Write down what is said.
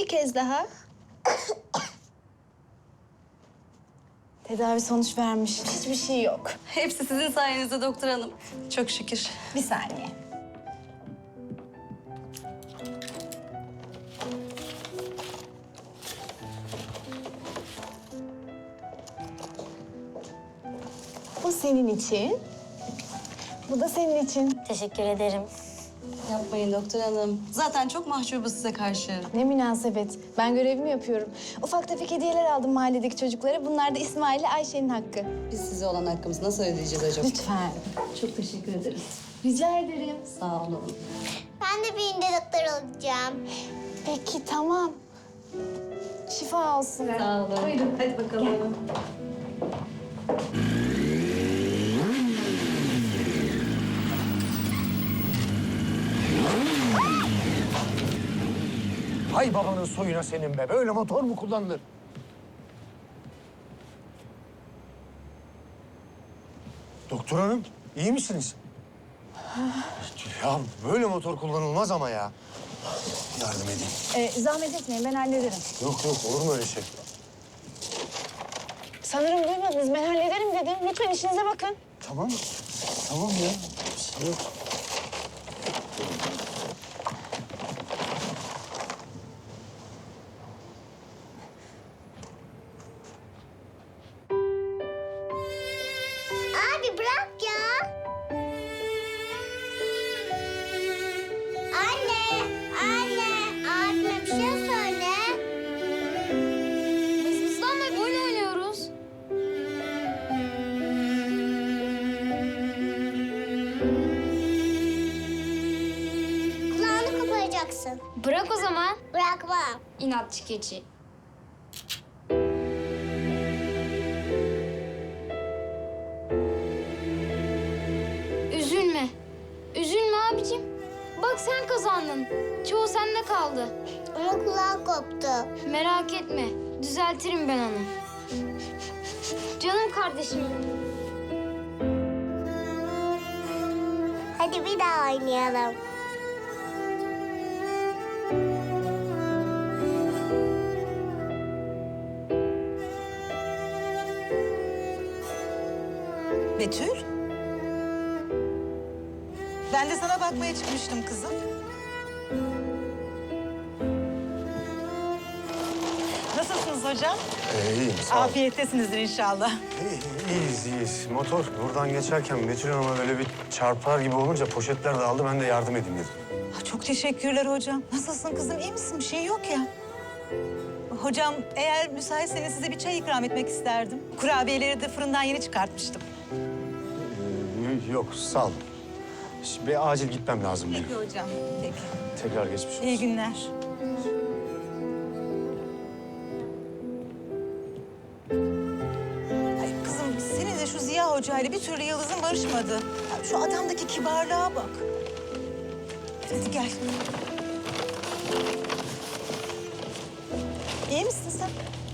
bir kez daha. Tedavi sonuç vermiş. Hiçbir şey yok. Hepsi sizin sayenizde doktor hanım. Çok şükür. Bir saniye. Bu senin için. Bu da senin için. Teşekkür ederim. Yapmayın doktor hanım. Zaten çok mahcubuz size karşı. Ne münasebet. Ben görevimi yapıyorum. Ufak tefek hediyeler aldım mahalledeki çocuklara. Bunlar da İsmail ile Ayşe'nin hakkı. Biz size olan hakkımızı nasıl ödeyeceğiz acaba? Lütfen. Çok teşekkür ederiz. Rica ederim. Sağ olun. Ben de bir doktor olacağım. Peki, tamam. Şifa olsun. Sağ olun. Buyurun hadi bakalım. Hay babanın soyuna senin be. Böyle motor mu kullanılır? Doktor hanım, iyi misiniz? Ya böyle motor kullanılmaz ama ya. Yardım edeyim. Zahmet etmeyin, ben hallederim. Yok yok, olur mu öyle şey? Sanırım duymadınız. Ben hallederim dedim. Lütfen işinize bakın. Tamam, tamam ya. Bir şey yok. Abi bırak ya. Anne, abime bir şey söyle. Mızmızlanma, oyun oynuyoruz. Kulağını koparacaksın. Bırak o zaman. Bırakmam. İnatçı keçi. Üzülme. Üzülme abicim. Bak sen kazandın. Çoğu sende kaldı. Ama kulağı koptu. Merak etme. Düzeltirim ben onu. Canım kardeşim. Hadi bir daha oynayalım. Betül? Ben de sana bakmaya çıkmıştım kızım. Nasılsınız hocam? İyiyim, sağ ol. Afiyettesinizdir inşallah. İyiyiz, iyiyiz. Motor buradan geçerken Betül Hanım'a böyle bir çarpar gibi olunca poşetler dağıldı. Ben de yardım edeyim dedim. Çok teşekkürler hocam. Nasılsın kızım? İyi misin? Bir şey yok ya. Hocam eğer müsaitseniz size bir çay ikram etmek isterdim. Kurabiyeleri de fırından yeni çıkartmıştım. Yok, sağ ol. Şimdi bir acil gitmem lazım benim. Peki hocam. Peki. Tekrar geçmiş olsun. İyi günler. Ay kızım senin de şu Ziya Hoca ile bir türlü Yıldız'ın barışmadı. Ya şu adamdaki kibarlığa bak. Hadi gel. İyi misin sen?